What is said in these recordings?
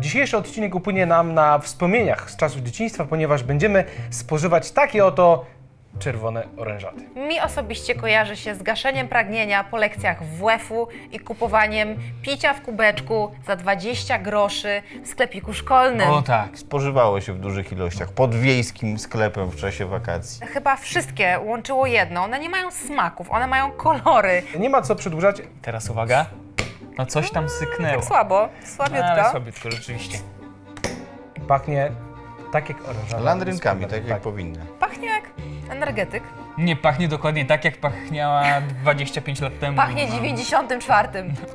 Dzisiejszy odcinek upłynie nam na wspomnieniach z czasów dzieciństwa, ponieważ będziemy spożywać takie oto czerwone orężady. Mi osobiście kojarzy się z gaszeniem pragnienia po lekcjach WF-u i kupowaniem picia w kubeczku za 20 groszy w sklepiku szkolnym. O tak. Spożywało się w dużych ilościach pod wiejskim sklepem w czasie wakacji. Chyba wszystkie łączyło jedno. One nie mają smaków, one mają kolory. Nie ma co przedłużać. Teraz uwaga. No coś tam syknęło. Tak słabo, No, słabiutko. ale słabiutko, rzeczywiście. Pachnie tak jak orężada. Landrynkami, tak jak powinny. Pachnie jak energetyk. Nie, pachnie dokładnie tak, jak pachniała 25 lat temu. Pachnie 94.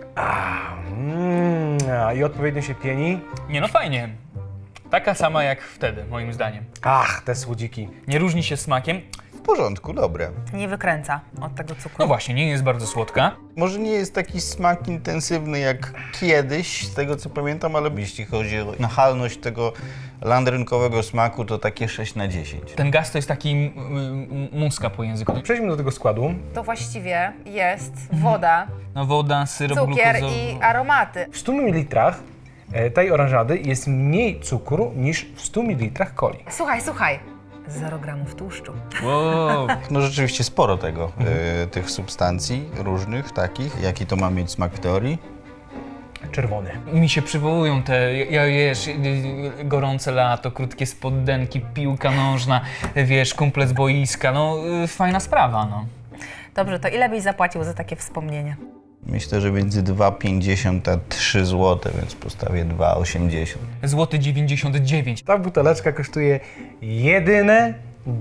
I odpowiednio się pieni. Nie, no fajnie. Taka sama jak wtedy, moim zdaniem. Ach, te słodziki. Nie różni się smakiem. W porządku, dobre. Nie wykręca od tego cukru. No właśnie, nie jest bardzo słodka. Może nie jest taki smak intensywny jak kiedyś, z tego co pamiętam, ale jeśli chodzi o nachalność tego landrynkowego smaku, to takie 6 na 10. Ten gaz to jest taki muska po języku. Przejdźmy do tego składu. To właściwie jest woda, No woda, syrop cukier glukozowy. i aromaty. W 100 ml tej orężady jest mniej cukru niż w 100 ml coli. Słuchaj. 0 gramów tłuszczu. Wow. No rzeczywiście sporo tego, tych substancji różnych takich. Jaki to ma mieć smak w teorii? Czerwony. Mi się przywołują te, wiesz, gorące lato, krótkie spodenki, piłka nożna, wiesz, kumple z boiska, no fajna sprawa, no. Dobrze, to ile byś zapłacił za takie wspomnienie? Myślę, że między 2,50 a 3 zł, więc postawię 2,80. Złoty 99. Ta buteleczka kosztuje jedyne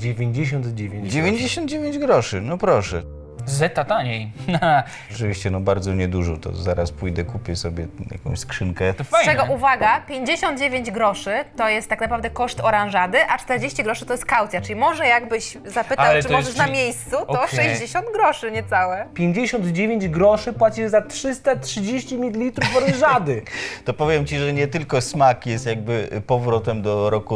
99 99 groszy, no proszę. Zeta taniej. Rzeczywiście, no bardzo niedużo, to zaraz pójdę, kupię sobie jakąś skrzynkę. To Z fajne. czego, uwaga, 59 groszy to jest tak naprawdę koszt oranżady, a 40 groszy to jest kaucja. Czyli może jakbyś zapytał, Ale czy to jest- możesz na miejscu, to Okej. 60 groszy niecałe. 59 groszy płacisz za 330 ml orężady. To powiem Ci, że nie tylko smak jest jakby powrotem do roku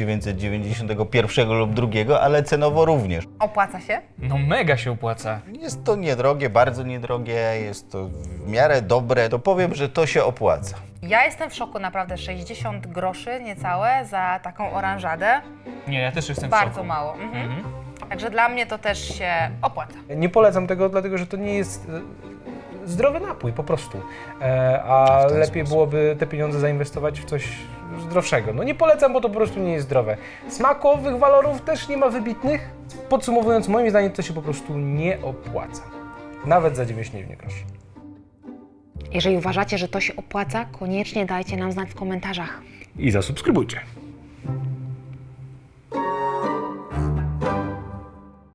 1991 lub drugiego, ale cenowo również. Opłaca się? No mega się opłaca. Jest to niedrogie, bardzo niedrogie, jest to w miarę dobre, to powiem, że to się opłaca. Ja jestem w szoku, naprawdę 60 groszy niecałe za taką oranżadę. Nie, ja też jestem w Bardzo szoku. mało. Także dla mnie to też się opłaca. Nie polecam tego, dlatego że to nie jest zdrowy napój po prostu. A W ten lepiej sposób. byłoby te pieniądze zainwestować w coś zdrowszego. No nie polecam, bo to po prostu nie jest zdrowe. Smakowych walorów też nie ma wybitnych. Podsumowując, moim zdaniem to się po prostu nie opłaca. Nawet za 99 groszy. Jeżeli uważacie, że to się opłaca, koniecznie dajcie nam znać w komentarzach. I zasubskrybujcie.